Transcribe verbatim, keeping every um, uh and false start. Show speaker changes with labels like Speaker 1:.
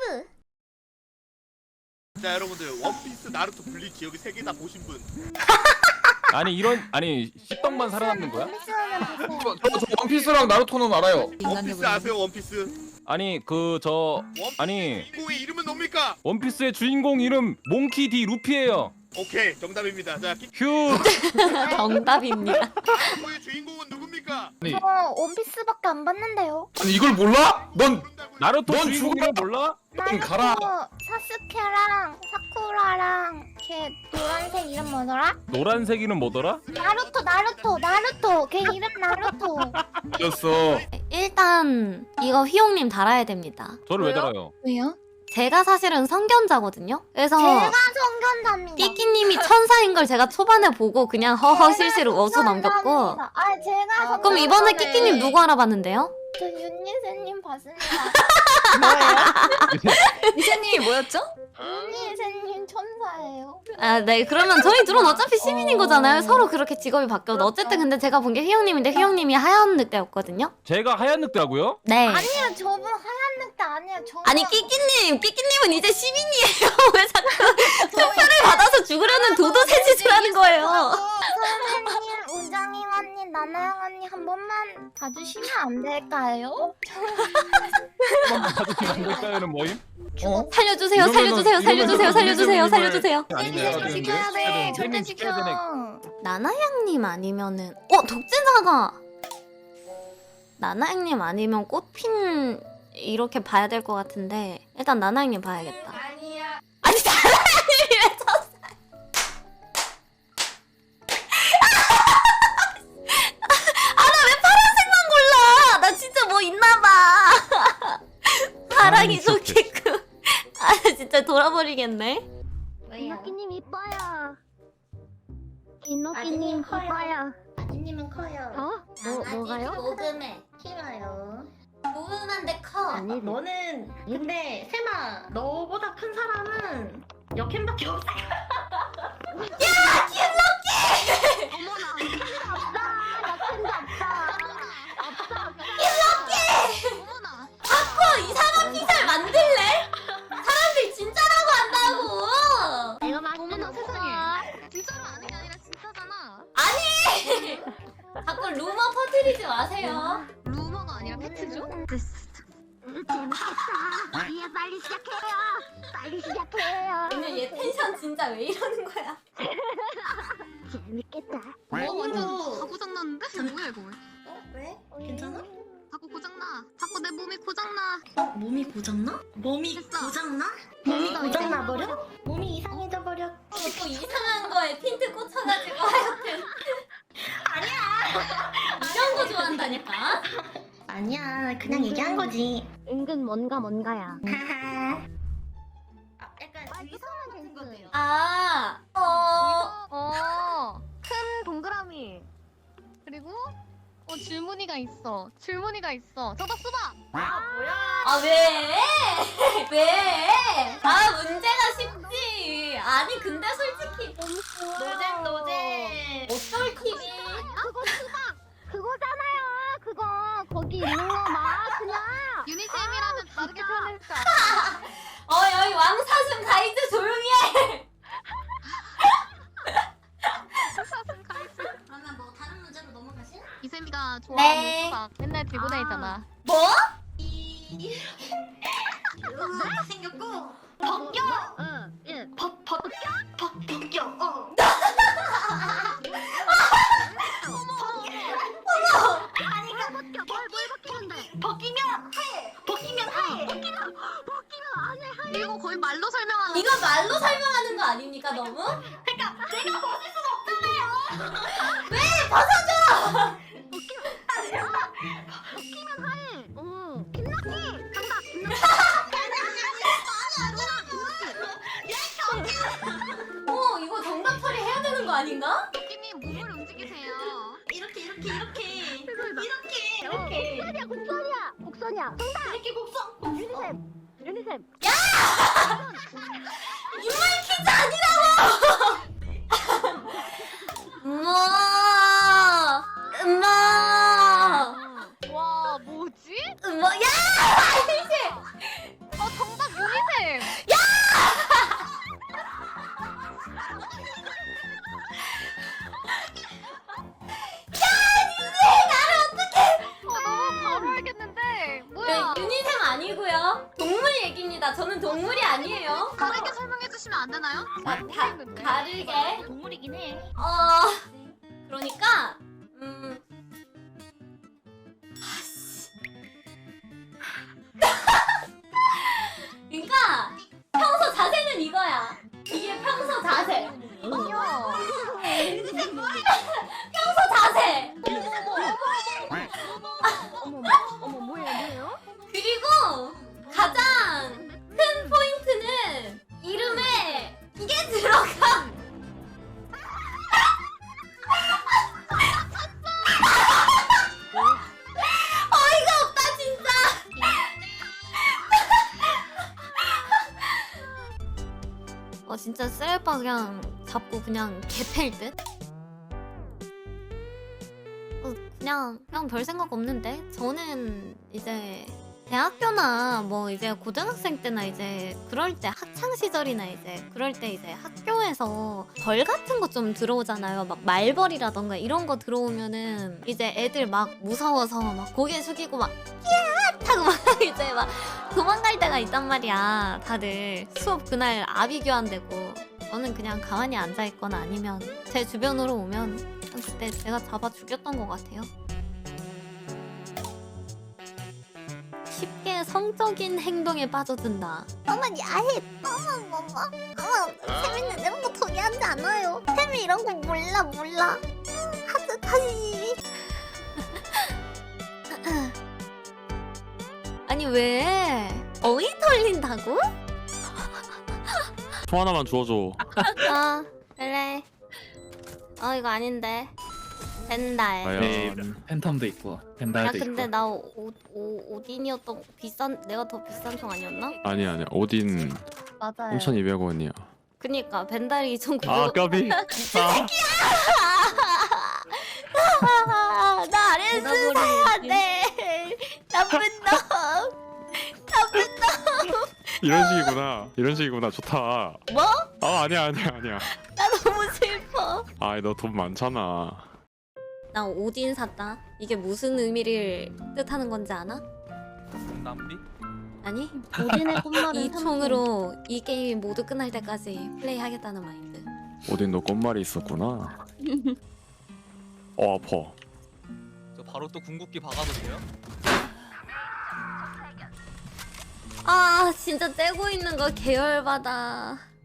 Speaker 1: 피부.
Speaker 2: 자 여러분들 원피스, 나루토, 블리치 여기 세 개 다 보신 분?
Speaker 3: 아니 이런 아니 씹덕만 살아남는 거야?
Speaker 4: 저, 저, 저 원피스랑 나루토는 알아요.
Speaker 2: 원피스 아세요 원피스?
Speaker 3: 아니 그 저 아니
Speaker 2: 주인공의 이름은 뭡니까?
Speaker 3: 원피스의 주인공 이름 몽키 디 루피예요.
Speaker 2: 오케이 정답입니다. 자
Speaker 3: 휴.
Speaker 1: 정답입니다.
Speaker 2: 키코의 주인공은 누굽니까?
Speaker 4: 아니,
Speaker 5: 저 원피스밖에 안 봤는데요.
Speaker 4: 아니 이걸 몰라? 넌
Speaker 2: 모른다고요?
Speaker 3: 나루토
Speaker 4: 넌
Speaker 3: 주인공
Speaker 4: 죽어.
Speaker 3: 이름 몰라?
Speaker 4: 좀 가라.
Speaker 5: 나루토, 사스케랑 사쿠라랑 걔 노란색 이름 뭐더라?
Speaker 3: 노란색이는 뭐더라?
Speaker 5: 나루토 나루토 나루토 걔 이름 나루토.
Speaker 4: 이겼어.
Speaker 1: 일단 이거 휘용님 달아야 됩니다.
Speaker 3: 저를 왜
Speaker 2: 왜요?
Speaker 3: 달아요?
Speaker 5: 왜요?
Speaker 1: 제가 사실은 성견자거든요. 그래서
Speaker 5: 제가 성견자입니다.
Speaker 1: 끼끼님이 천사인 걸 제가 초반에 보고 그냥 허허 실시로 어수 넘겼고.
Speaker 5: 아 제가 성견자.
Speaker 1: 그럼 이번에 끼끼님 누구 알아봤는데요?
Speaker 5: 저 윤예세님 봤습니다.
Speaker 6: 이세님이 뭐였죠?
Speaker 5: 윤예세님 천사예요.
Speaker 1: 아, 네. 그러면 저희 둘은 어차피 시민인 거잖아요. 서로 그렇게 직업이 바뀌어도. 어쨌든 근데 제가 본 게 휘용님인데 휘용님이 하얀 늑대였거든요.
Speaker 3: 제가 하얀 늑대라고요?
Speaker 1: 네.
Speaker 5: 아니요 저분 하얀 늑대 아니에요. 저
Speaker 1: 아니 끼끼님, 끼끼님은 이제 시민이에요. 왜 자꾸 투표를 받아서 죽으려는 도도새 짓을 하는 거예요.
Speaker 5: 선생님, 우정이 언니, 나나영 언니 한 번만 봐주시면 안 될까요?
Speaker 3: 가족이 안 될까요는 뭐임?
Speaker 4: 어?
Speaker 1: 살려주세요,
Speaker 4: 이러면은-
Speaker 1: 살려주세요, 살려주세요,
Speaker 4: 이러면은
Speaker 1: 살려주세요,
Speaker 4: 이름을-
Speaker 1: 살려주세요.
Speaker 4: 아니네.
Speaker 5: 지켜야 돼. 절대
Speaker 3: 혜민
Speaker 5: 지켜.
Speaker 3: 지켜야 되네.
Speaker 1: 나나양님 아니면은 어 독진사가 나나양님 아니면 꽃핀 이렇게 봐야 될 것 같은데 일단 나나양님 봐야겠다.
Speaker 5: 아니야.
Speaker 1: 아니 나나양님이 왜 쳤어? 아나 왜 파란색만 골라? 나 진짜 뭐 있나봐. 파랑이 좋겠고. 아 진짜 돌아버리겠네.
Speaker 5: 이노끼님 이뻐요. 이노끼님 이뻐요.
Speaker 7: 아지님은 커요.
Speaker 5: 어? 뭐, 뭐가요?
Speaker 7: 녹음해. 키워요.
Speaker 1: 무음한데 커.
Speaker 7: 아니 너는 근데 세마 너보다 큰 사람은 여캠밖에 없어.
Speaker 5: 어머나. 킨도 없다. 어머나.
Speaker 1: 자꾸 이상한 피살 만들래? 사람들 진짜라고 한다고.
Speaker 5: 내가 맞으는 세상에. 진짜로 아는 게 아니라 진짜잖아.
Speaker 1: 자꾸 루머 퍼뜨리지 마세요.
Speaker 5: 루머가 아니라 팩트죠? 재밌겠다. 이해 빨리 시작해요. 빨리 시작해요.
Speaker 1: 오늘 얘 텐션 진짜 왜 이러는 거야?
Speaker 5: 재밌겠다.
Speaker 7: 몸으로.
Speaker 5: 다 고장났는데? 뭐야 이거?
Speaker 7: 어? 왜? 괜찮아?
Speaker 5: 자꾸 고장나. 자꾸 내 몸이 고장나.
Speaker 7: 어? 몸이 고장나? 몸이
Speaker 5: 됐어.
Speaker 7: 고장나? 몸이 고장나 버려? 몸이 이상해져 버려.
Speaker 1: 자꾸 이상한 거에 핀트 꽂혀가지고 하여튼. 아니야. 이런 거 좋아한다니까.
Speaker 7: 아니야, 그냥 얘기한 거지.
Speaker 5: 은근 뭔가 뭔가야.
Speaker 7: 하하. 아, 약간
Speaker 5: 이상한 거예요.
Speaker 1: 아, 어.
Speaker 5: 어, 큰 동그라미. 그리고 어 줄무늬가 있어. 줄무늬가 있어. 정답 수박.
Speaker 7: 아 뭐야?
Speaker 1: 아 왜? 왜? 아 문제가 쉽지. 아니 근데 솔직히
Speaker 7: 노잼 노잼.
Speaker 1: 어쩔 팀이.
Speaker 5: 그거 수박. 그거잖아요. 그거 거기 있는 거 막 그냥. 유니셈이라면 다르게 표현할 줄 알아.
Speaker 1: 어 여기 왕사슴 가이드 조용히 해.
Speaker 7: 그러면 뭐 다른 문제로 넘어가실?
Speaker 5: 이셈이가 좋아하는
Speaker 1: 네.
Speaker 5: 수박 맨날 들고 다니잖아.
Speaker 1: 뭐?
Speaker 7: 이 이렇게 생겼고 벗겨.
Speaker 5: 응. 예.
Speaker 7: 벗 벗 벗 벗겨. 어. 아니 그
Speaker 5: 벗겨. 뭘, 뭘 벗기는데?
Speaker 7: 벗기면 하얘. 벗기면 하얘.
Speaker 5: 벗기면 벗기면 안 해. 할 이거 거의 말로 설명하는.
Speaker 1: 이거 말로 설명하는 거 아닙니까 너무?
Speaker 7: 그러니까 내가 벗을 순 없잖아요.
Speaker 1: 왜 벗어줘?
Speaker 5: 벗기면 하얘. 응. 김나기. 정답.
Speaker 1: 어 이거 정답 처리해야 되는 거 아닌가?
Speaker 5: 김이 몸을 움직이세요.
Speaker 7: 이렇게 이렇게 이렇게
Speaker 5: 그래서
Speaker 7: 이렇게 이렇게
Speaker 5: 곡선이야, 곡선이야. 곡선이야. 정답.
Speaker 7: 이렇게 곡선.
Speaker 5: 유니셈. 유니셈.
Speaker 1: 인물 퀴즈 아니라고! 엄마! 엄마!
Speaker 5: 와, 뭐지?
Speaker 1: 엄마! 야!
Speaker 5: 어, 정답 유니셈.
Speaker 1: 아니고요. 동물 얘기입니다. 저는 동물이 아니에요.
Speaker 5: 다르게 설명해 주시면 안 되나요?
Speaker 1: 자, 다, 다르게.
Speaker 5: 동물이긴 해.
Speaker 1: 어 그러니까 음 아씨. 그러니까 평소 자세는 이거야. 이게 평소 자세. 평소 자세.
Speaker 5: 어머 뭐예요 뭐예요?
Speaker 1: 그리고 가장 큰 포인트는 이름에 이게 들어가. 어이가 없다 진짜. 어 진짜 셀바 그냥 잡고 그냥 개팰 듯? 어, 그냥 그냥 별 생각 없는데 저는 이제 대학교나 뭐 이제 고등학생 때나 이제 그럴 때 학창 시절이나 이제 그럴 때 이제 학교에서 벌 같은 거 좀 들어오잖아요. 막 말벌이라던가 이런 거 들어오면은 이제 애들 막 무서워서 막 고개 숙이고 막 끼야 하고 막 이제 막 도망갈 때가 있단 말이야. 다들 수업 그날 아비 교환되고 저는 그냥 가만히 앉아 있거나 아니면 제 주변으로 오면 그때 제가 잡아 죽였던 것 같아요. 쉽게 성적인 행동에 빠져든다.
Speaker 6: 어머 야해 어머 어머 어머 세미는 이런 거 동의하지 않아요. 세미 이런 거 몰라 몰라. 하지 다시.
Speaker 1: 아니 왜 어이 털린다고?
Speaker 3: 총 하나만 주워줘.
Speaker 1: 아 그래. 어 이거 아닌데. 벤달.
Speaker 3: 과연
Speaker 4: 팬텀도 있고
Speaker 1: 야
Speaker 4: 펜달도
Speaker 1: 근데 나 오, 오, 오딘이었던 비싼 내가 더 비싼 총 아니었나?
Speaker 3: 아니 아니 오딘
Speaker 6: 맞아요.
Speaker 3: 삼천이백 원이야.
Speaker 1: 그니까 벤달이 이천구백
Speaker 3: 아
Speaker 1: 원.
Speaker 3: 까비.
Speaker 1: 아, 나 아레스 사야 돼. 나쁜 놈. 나쁜 놈.
Speaker 3: 이런 식이구나. 이런 식이구나. 좋다.
Speaker 1: 뭐?
Speaker 3: 아 아니야 아니야 아니야.
Speaker 1: 나 너무 슬퍼.
Speaker 3: 아이 너 돈 많잖아.
Speaker 1: 나 오딘 샀다. 이게 무슨 의미를 뜻하는 건지 아나?
Speaker 8: 낭비?
Speaker 1: 아니?
Speaker 6: 오딘의 꽃말은
Speaker 1: 이 총으로 이 게임이 모두 끝날 때까지 플레이하겠다는 마인드.
Speaker 3: 오딘 너 꽃말이 있었구나. 어 아파.
Speaker 8: 저 바로 또 궁극기 박아도 돼요?
Speaker 1: 아 진짜 떼고 있는 거 계열받아.